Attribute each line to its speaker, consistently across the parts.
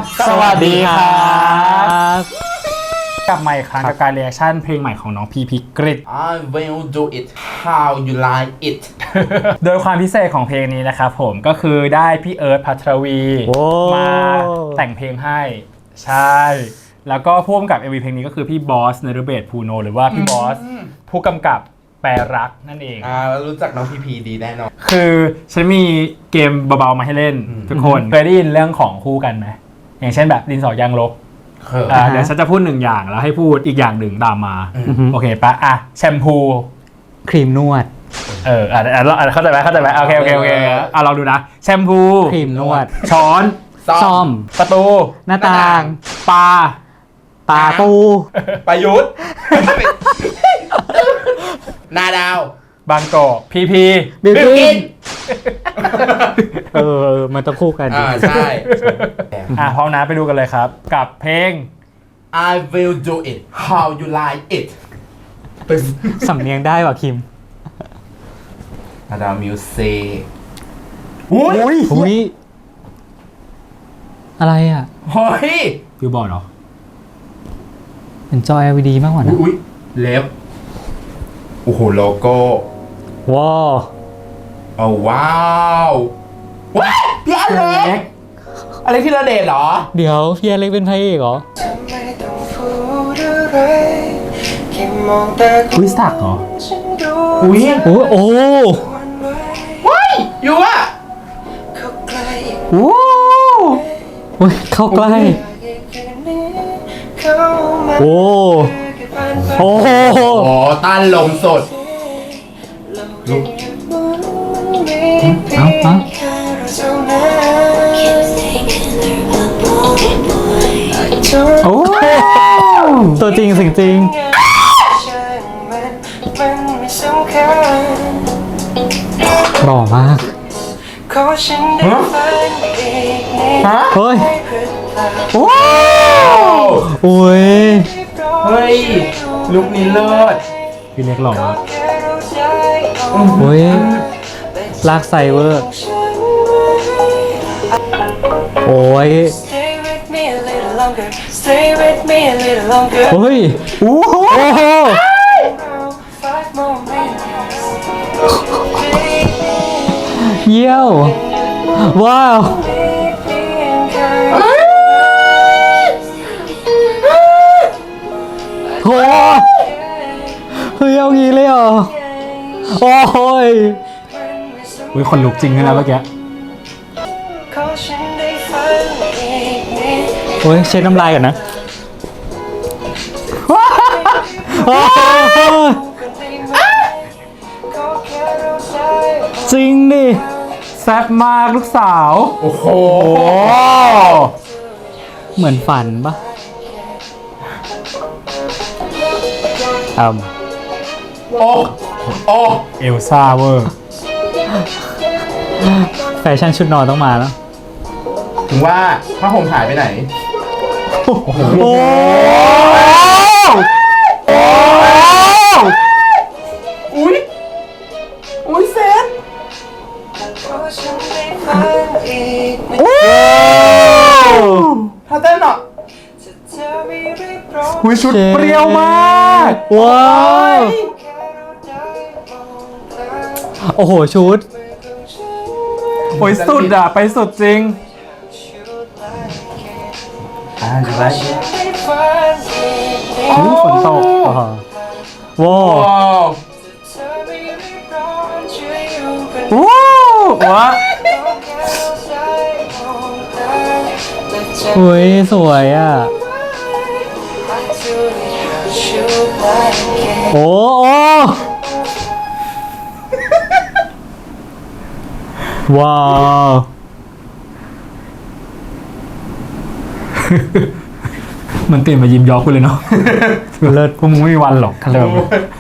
Speaker 1: สวัสดีครับกลับมาอีกครั้งกับการเรีแอคชั่นเพลงใหม่ของน้องพีพีกริด
Speaker 2: I will do it how you like it
Speaker 1: โดยความพิเศษของเพลงนี้นะครับผมก็คือได้พี่เอิร์ธภัทรวีมาแต่งเพลงให้ใช่แล้วก็พ่วงกับ MV เพลงนี้ก็คือพี่บอสนฤเบศภูโนหรือว่าพี่บอสผู้กำกับแปรรักนั่นเอง
Speaker 2: รู้จักน้องพีพีดีแน่นอน
Speaker 1: คือฉันมีเกมเบาๆมาให้เล่นทุกคนเคยได้ยินเรื่องของคู่กันไหมอย่างเช่นแบบดินสอยางลบเดี๋ยวฉันจะพูดหนึ่งอย่างแล้วให้พูดอีกอย่างหนึ่งตามมาโอเคปะอ่ะแชมพู
Speaker 3: ครีมนวด
Speaker 1: เข้าใจไหมโอเคลองดูนะแชมพู
Speaker 3: ครีมนวด
Speaker 1: ช้อน
Speaker 3: ซ่อม
Speaker 1: ประตู
Speaker 3: หน้าต่าง
Speaker 1: ปลา
Speaker 3: ปู
Speaker 2: ประยุทธ์นาดาว
Speaker 1: บางกอกพี
Speaker 3: บิวกินมันต้องคู่กัน
Speaker 2: ใช่
Speaker 1: พร้อมนะไปดูกันเลยครับกับเพลง
Speaker 2: I will do it how you like it
Speaker 3: สำเนียงได้ว่ะคิม
Speaker 2: นาดาวมิวสิก
Speaker 3: อุ้ยอะไรอ่ะ
Speaker 2: เฮ้ย
Speaker 1: ฟิวบอร์ดเหรอ
Speaker 3: เป็นจอ LED มากกว่านะ
Speaker 2: เล็บโอ้โหโลโก้
Speaker 3: ว้าว
Speaker 2: ว้าวพี่อเล็กอะไรที่เราเดทเหรอ
Speaker 3: เดี๋ยวพี่อเล็กเป็นพระเอกเหรอ
Speaker 1: อุ้ยสักเหรอ
Speaker 3: อุ้ยโอ้
Speaker 2: ว้ายอยู่อ่ะ
Speaker 3: โอ้ยเข้าใกล้โอ้
Speaker 2: ต้านลมสด
Speaker 3: โอ้ตัวจริงสิ่งจริงหล่อมากเฮ้ยโอ้ย
Speaker 2: เฮ้ยลุคนี้เลิศ
Speaker 1: พี่เล็กหล่อมาก
Speaker 3: โอ้ยลากไซเวอร์โอ้ยโอ้ยโอ้โหเยี่ยวว้าวโอ้เฮ้ยเอางี้เลยเหรอโอ้ย
Speaker 1: คนลุกจริงนะเมื่อกี้
Speaker 3: โอ้ยเช็ดน้ำลายก่อนนะจริงดิ
Speaker 1: แซ่บมากลูกสาว
Speaker 2: โอ้โห
Speaker 3: เหมือนฝันปะ
Speaker 2: โอ้
Speaker 1: เอลซ่าเวอร์
Speaker 3: แฟชั่นชุดนอนต้องมาแล้ว
Speaker 2: ถึงว่าผ้าห่มหายไปไหน
Speaker 3: โอ้โห
Speaker 2: อุ้ยเซฟถ้าเต้นอ่ะ
Speaker 1: ชุดเปรี้ยวมาก
Speaker 3: ว้าวโอ้โหชุด
Speaker 1: สุดอ่ะไปสุดจริงฝนตก
Speaker 3: ว้าวอุ้ยสวยอ่ะโอ้ว้าว
Speaker 1: มันเปลี่ยนมายิ้มย้อคุณเลยเนาะเลิศพวกมึงไม่มีวันหรอกเริ่ม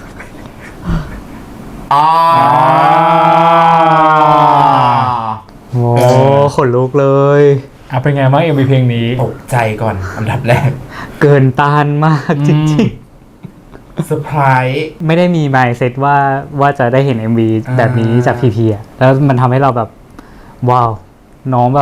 Speaker 3: โอ้ขนลุกเลย
Speaker 1: เป็นไงบ้างMVเพลงนี้
Speaker 2: ตกใจก่อนอันดับแรก
Speaker 3: เกินต้านมากจริง
Speaker 2: ๆเซอร์ไพรส์
Speaker 3: ไม่ได้มีมายด์เซตว่าจะได้เห็น MV แบบนี้จากพีพีอ่ะแล้วมันทำให้เราแบบว้าวน้องแบบ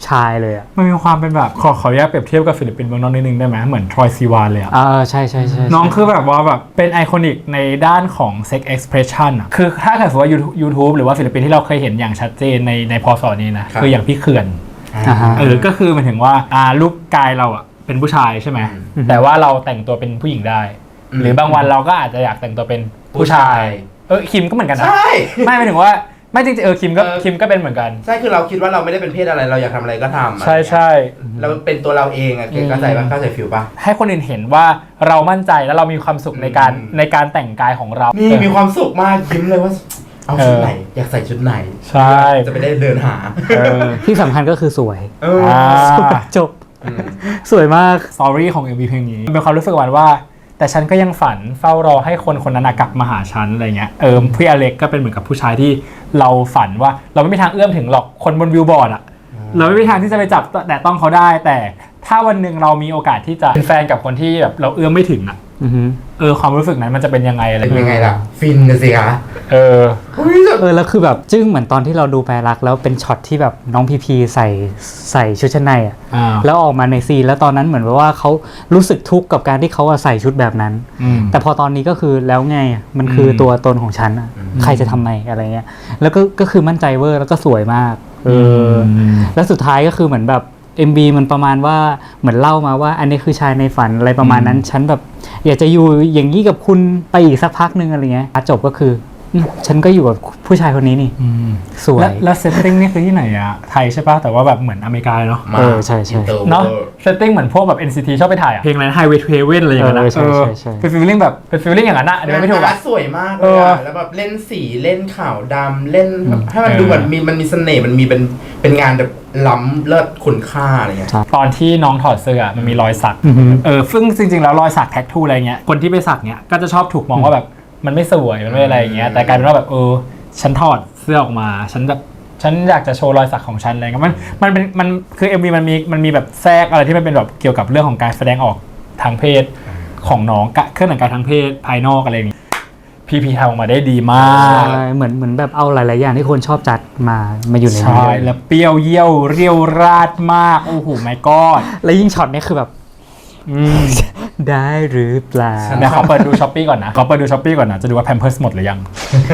Speaker 3: ชายเลยอ่ะ
Speaker 1: มันมีความเป็นแบบขออนุญาตเปรียบเทียบกับศิลปินเมืองนอกนิดนึงได้ไหมเหมือนทรอยซีวานเลยอะ
Speaker 3: ใช่ใช่ใช่
Speaker 1: น้องคือแบบว่าแบบเป็นไอคอนิกในด้านของ sex expression อะคือถ้าเกิดสมมติว่า YouTube หรือว่าศิลปินที่เราเคยเห็นอย่างชัดเจนในพศนี้นะคืออย่างพี่เขื่อน ก็คือหมายถึงว่ารูปกายเราอะเป็นผู้ชายใช่ไหมแต่ว่าเราแต่งตัวเป็นผู้หญิงได้ หรือบางวันเราก็อาจจะอยากแต่งตัวเป็นผู้ชายคิมก็เหมือนกันนะ
Speaker 2: ใช่
Speaker 1: ไม่หมายถึงว่าไม่จริงๆคิมก็เป็นเหมือนกัน
Speaker 2: ใช่คือเราคิดว่าเราไม่ได้เป็นเพศอะไรเราอยากทำอะไรก็ทำ
Speaker 1: ใช่
Speaker 2: เราเป็นตัวเราเองอะเก๋เข้าใจป่ะเข้าใจฟิลป่ะ
Speaker 1: ให้คนอื่นเห็นว่าเรามั่นใจแล้วเรามีความสุขในการแต่งกายของเรา
Speaker 2: นี่มีความสุขมากยิ้มเลยว่าเอาชุดไหนอยากใส่ชุดไหน
Speaker 1: ใช่
Speaker 2: จะไปได้เดินหา
Speaker 3: ที่สำคัญก็คือสวย สวยจบ สวยมาก
Speaker 1: สตอรี่ของ MV เพลงนี้เป็นความรู้สึกว่าแต่ฉันก็ยังฝันเฝ้ารอให้คนคนนั้นกลับมาหาฉันอะไรเงี้ยพี่อเล็กก็เป็นเหมือนกับผู้ชายที่เราฝันว่าเราไม่มีทางเอื้อมถึงหรอกคนบนวิวบอร์ดอะเราไม่มีทางที่จะไปจับแต่ต้องเขาได้แต่ถ้าวันหนึ่งเรามีโอกาสที่จะเป็นแฟนกับคนที่แบบเราเอื้อมไม่ถึงอะความรู้สึกนั้นมันจะเป็นยังไงอะไร
Speaker 2: เป็นยังไงล่ะฟินกันสิคะ
Speaker 3: แล้วคือแบบจึ้งเหมือนตอนที่เราดูแปลรักแล้วเป็นช็อตที่แบบน้องพีพีใส่ชุดชั้นในอ่ะแล้วออกมาในซีนแล้วตอนนั้นเหมือนว่าเขารู้สึกทุกข์กับการที่เขาใส่ชุดแบบนั้น แต่พอตอนนี้ก็คือแล้วไงมันคือตัวตนของฉันอ่ะใครจะทำไมอะไรเงี้ยแล้วก็คือมั่นใจเวอร์แล้วก็สวยมากแล้วสุดท้ายก็คือเหมือนแบบ MV มันประมาณว่าเหมือนเล่ามาว่าอันนี้คือชายในฝันอะไรประมาณนั้นฉันแบบอยากจะอยู่อย่างนี้กับคุณไปอีกสักพักนึงอะไรเงี้ยจบก็คือฉันก็อยู่กับผู้ชายคนนี้นี่สวย
Speaker 1: แล้วเซตติ้งนี่คือที่ไหนอะไทยใช่ป่ะแต่ว่าแบบเหมือนอเมริกาเนาะ
Speaker 3: ใช่
Speaker 1: เนาะเซตติ้งเหมือนพวกแบบ NCT ชอบไปถ่ายอะเพลงอะไร Highway to Heaven อะไรอย่างเงี้ยนะเป็นฟีลลิ่งแบบเป็นฟีลลิ่งอย่างนั้นอะเดี๋ยวไม่ถูกอะ
Speaker 2: สวยมากเลยอะแล้วแบบเล่นสีเล่นขาวดำเล่นให้มันดูแบบมันมีเสน่ห์มันมีเป็นงานแบบล้ำเลิศคุณค่าอะไรเงี้ย
Speaker 1: ตอนที่น้องถอดเสื้อมันมีรอยสักซึ่งจริงๆแล้วรอยสักแท็กทูอะไรเงี้ยคนที่ไปสักเนี้ยก็จะชอบถูกมองว่าแบบมันไม่สวยมันไม่อะไรอย่างเงี้ยแต่กลายเป็นว่าแบบฉันถอดเสื้อออกมาฉันอยากจะโชว์รอยสักของฉันอะไรเงี้ยมันคือ MV มันมีแบบแทรกอะไรที่มันเป็นแบบเกี่ยวกับเรื่องของการแสดงออกทางเพศของน้องเครื่องแต่งกายทางเพศภายนอกอะไรอย่างงี้พีทำออกมาได้ดีมาก
Speaker 3: เหมือนแบบเอาหลายๆอย่างที่คนชอบจัดมาอยู่ในนี้
Speaker 1: ใช่แล้วเปรี้ยวเยี่ยวเรียวราดมากโอ้โหไม่กอด
Speaker 3: แล้วยิ่งช็อตนี้คือแบบได้หรือเปล่า
Speaker 1: เดี๋ยวขอเปิดดูช้อปปี้ก่อนนะจะดูว่าแพมเพิร์สหมดหรือยัง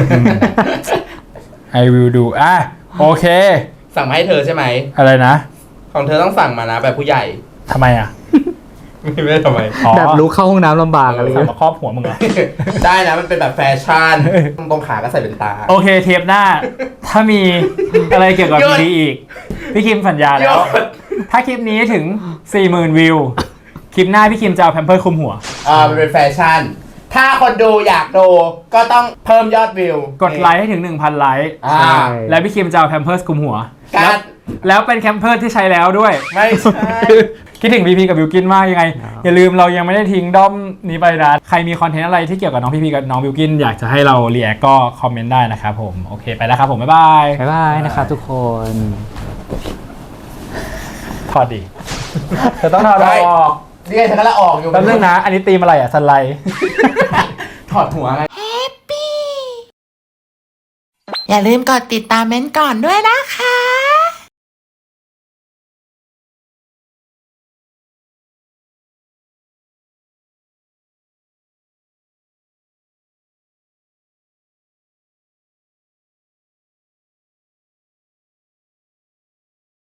Speaker 1: I will do โอเค
Speaker 2: สั่งมาให้เธอใช่ไหม
Speaker 1: อะไรนะ
Speaker 2: ของเธอต้องสั่งมานะแบบผู้ใหญ่
Speaker 1: ทำไมอ่ะ
Speaker 2: ไม่ได้ทำไม
Speaker 3: แบบรู้เข้าห้องน้ำลำบากอะไร
Speaker 1: สั่งมาครอบหัวมึงเหรอ
Speaker 2: ได้นะมันเป็นแบบแฟชั่นตรงขาก็ใส่เป็นตา
Speaker 1: โอเคเทปหน้าถ้ามีอะไรเกี่ยวกับนี้อีกพี่คิมสัญญาแล้วถ้าคลิปนี้ถึง 40,000 วิวคลิปหน้าพี่คิมจะเอาแพมเพิร์สคลุมหัว
Speaker 2: มันเป็นแฟชั่นถ้าคนดูอยากดูก็ต้องเพิ่มยอดวิว
Speaker 1: กดไลค์ให้ถึง 1,000 ไลค์แล้วพี่คิมจะเอาแพมเพิร์สคลุมหัวแล้วเป็นแพมเพิร์สที่ใช้แล้วด้วย
Speaker 2: ไม่ใช่
Speaker 1: คิดถึงพีพีกับบิวกินมากยังไงอย่าลืมเรายังไม่ได้ทิ้งด้อมนี้ไปนะใครมีคอนเทนต์อะไรที่เกี่ยวกับน้องพีพีกับน้องบิวกินอยากจะให้เราเรียกก็คอมเมนต์ได้นะครับผมโอเคไปแล้วครับผมบ๊ายบ
Speaker 3: ายนะครับทุกคน
Speaker 1: ถอดดิเธอต้องถอดออก
Speaker 2: นี่ไงเธอก็ละออกอยู่
Speaker 1: แป๊บนึงนะอันนี้ตีมอะไรอ่ะสไลด์
Speaker 2: ถอดหัวไง
Speaker 4: Happy อย่าลืมกดติดตามเม้นก่อนด้วยนะคะ